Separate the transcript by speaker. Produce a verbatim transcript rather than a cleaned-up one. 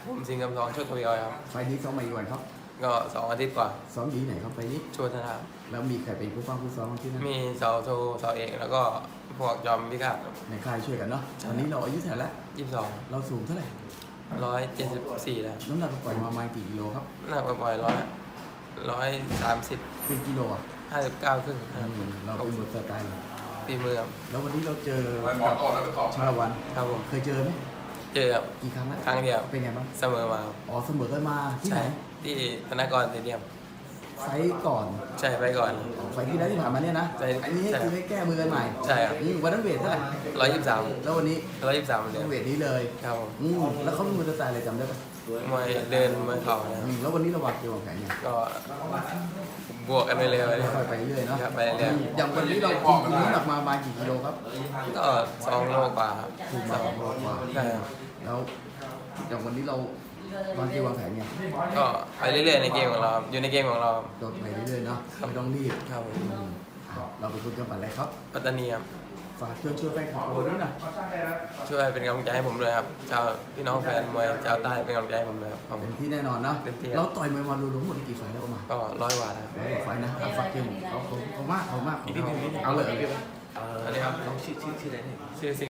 Speaker 1: ผมสิงห์กำทองโชคทวีออยครับ
Speaker 2: ไฟล์นี้ซ้อมมาอีกวันครับ
Speaker 1: ก็สองอาทิตย์กว่า
Speaker 2: ซ้อมอยู่ที่ไหนครับไฟล์นี้
Speaker 1: โชว์ชนะ
Speaker 2: แล้วมีใครเป็นผู้ฟังผู้ซ้อมที่นั่น
Speaker 1: มีเสาโทเสาเอกแล้วก็พวกยอมพิฆาต
Speaker 2: ในค่ายช่วยกันเนาะวันนี้เราอายุเท่าไหร่แล้ว
Speaker 1: ยี่สิบสอง
Speaker 2: เราสูงเท่าไหร่
Speaker 1: ร้อยเจ็ดสิบสี่แล้ว
Speaker 2: น้ำหนักปล่อยมาประมาณกี่กิโลครับ
Speaker 1: หน้าปล่อยร้อยร้อยสามสิบ
Speaker 2: เป็นกิโลอ่ะ
Speaker 1: ห้าสิบเก้าครึ่ง
Speaker 2: อืมเราเป็นบทสไตล์เลย
Speaker 1: ปีมือครับ
Speaker 2: แล้ววันนี้เราเจอกับชาละวัน
Speaker 1: ครับผม
Speaker 2: เคยเจอไหม
Speaker 1: เจอครับ
Speaker 2: กี่ครั้งแล้ว
Speaker 1: ครั้งเดียว
Speaker 2: เป็นไงบ้าง
Speaker 1: เสมอมาครับ
Speaker 2: อ๋อเสมอกันมาที่ไหน
Speaker 1: ใช่ที่ธนากรสเตเดียม
Speaker 2: ไฟล์ก่อน
Speaker 1: ใช่ไปก่อน
Speaker 2: ไฟล์ที่แล้วที่ผ่านมาเนี่ยนะ
Speaker 1: ใช่
Speaker 2: อันนี้
Speaker 1: ใช่
Speaker 2: คือให้แก้มือกันใหม่
Speaker 1: ใช่ครับ
Speaker 2: อืมวันนั้นเวทเท่าไหร่
Speaker 1: ร้อยยี่สิบสาม
Speaker 2: แล้ววันนี้
Speaker 1: ร้อยยี่สิบสามเหมือน
Speaker 2: ต้
Speaker 1: เดิ
Speaker 2: อง
Speaker 1: ม
Speaker 2: เวทนี้เลย
Speaker 1: ครับผม
Speaker 2: อืมแล้วเขาเป็นมือสไตล์อะไรจำได้ปะ
Speaker 1: มวยเดินมวยเข่านะค
Speaker 2: อื
Speaker 1: รับ
Speaker 2: มแล้ววันนี้เราวางเกมวางแผนยัง
Speaker 1: ก็บวกกันไปเลย
Speaker 2: ค่อยๆไปเรื่อยเนาะ
Speaker 1: ครับไปเรื่อย
Speaker 2: อย่างวันนี้เราคุมน้ำหนักมาประมาณกี่กิโลครับ
Speaker 1: ก็สองโลกว่าครับ
Speaker 2: คุมมาสองโลกว่า
Speaker 1: ใช่ครับ
Speaker 2: แล้วอย่างวันนี้เราวางเกมวางแผนไง
Speaker 1: ก็ไปเรื่อยๆในเกมของเราครับอยู่ในเกมของเราครับ
Speaker 2: โดดไปเรื่อยๆเนาะไม่ต้องรีบ
Speaker 1: ครับผม
Speaker 2: อืมอ่ะเราเป็นคนจังหวัดอะไรครับ
Speaker 1: ปัตตานีครับ
Speaker 2: ฝากเชิญชวนแฟนคลับเราด้วยนะ
Speaker 1: ช่วยเป็นกำลังใจให้ผมด้วยครับชาวพี่น้องแฟนมวยชาวใต้เป็นกำลังใจให้ผมด้วยครับขอบคุ
Speaker 2: เต็
Speaker 1: ณ
Speaker 2: มที่แน่นอนนะ
Speaker 1: เต็มที่ครับ
Speaker 2: เราต่อยมวยมาดูรวมหมดกี่ไฟล์แล้วประมาณ
Speaker 1: ก็ร้อยกว่าแล้ว
Speaker 2: ร้อยกว่าไฟล์นะเอาฝากเกมเขาเขาเขามากเขามากเอาเลย
Speaker 1: อันนี้ครับ
Speaker 3: น้องชื่อชื่อชื่ออะไรเนี่ย
Speaker 1: ชื่อสิ